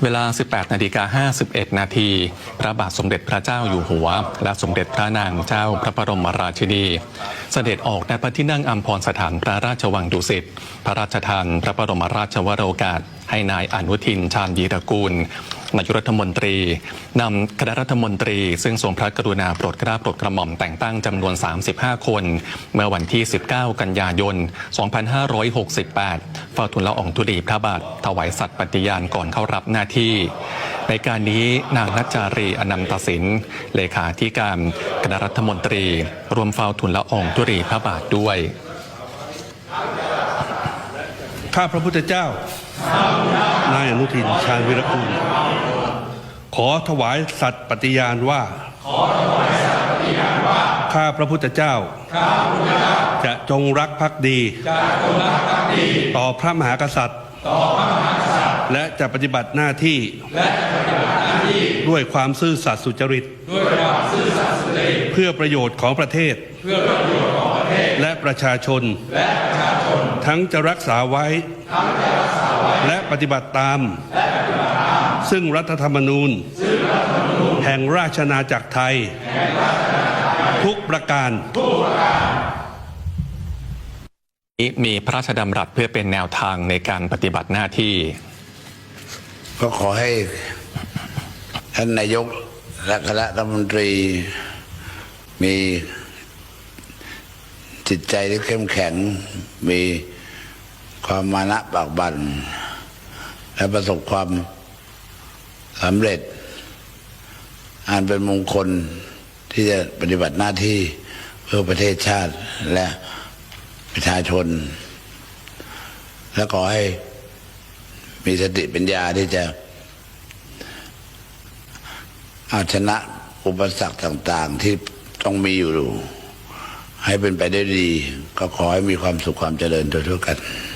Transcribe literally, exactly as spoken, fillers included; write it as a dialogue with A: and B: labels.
A: เวลา สิบแปดนาฬิกาห้าสิบเอ็ด นาทีพระบาทสมเด็จพระเจ้าอยู่หัวและสมเด็จพระนางเจ้าพระบรมราชินีเสด็จออกณพระที่นั่งอัมพรสถานพระราชวังดุสิตพระราชทานพระบรมราชวโรกาสให้นายอนุทินชาญวีรกูลนายกรัฐมนตรีนำคณะรัฐมนตรีซึ่งทรงพระกรุณาโปรดเกล้าโปรดกระหม่อมแต่งตั้งจำนวนสามสิบห้าคนเมื่อวันที่สิบเก้ากันยายนสองพันห้าร้อยหกสิบแปดเฝ้าทูลละอองธุลีพระบาทถวายสัตย์ปฏิญาณก่อนเข้ารับหน้าที่ในการนี้นางนัจจารีอนันตสินเลขาธิการคณะรัฐมนตรีรวมเฝ้าทูลละอองธุลีพระบาทด้วย
B: ข้าพระพุทธเจ้านายอนุทินชาญวีรกูลขอถวายสัตย์ปฏิญาณว่าข้าพระพุทธเจ้าจะจงรักภักดีต่อพระมหากษัตริย์และจะปฏิบัติหน้าที่ด้วยความซื่อสัตย์สุจริตเพื่อประโยชน์ของประเทศและประชาชนทั้งจะรักษาไว้และปฏิบัติตามซึ่งรัฐธรรมนูญแห่งราชอาณาจักรไทยทุกประการ
A: มีพระราชดำรัสเพื่อเป็นแนวทางในการปฏิบัติหน้าที่
C: ก็ขอให้ท่านนายกและคณะรัฐมนตรีมีจิตใจที่เข้มแข็งมีความมานะปากบั่นและประสบความสำเร็จอันเป็นมงคลที่จะปฏิบัติหน้าที่เพื่อประเทศชาติและประชาชนและขอให้มีสติปัญญาที่จะเอาชนะอุปสรรคต่างๆที่ต้องมีอยู่ให้เป็นไปได้ดีก็ขอให้มีความสุขความเจริญทั่วๆกัน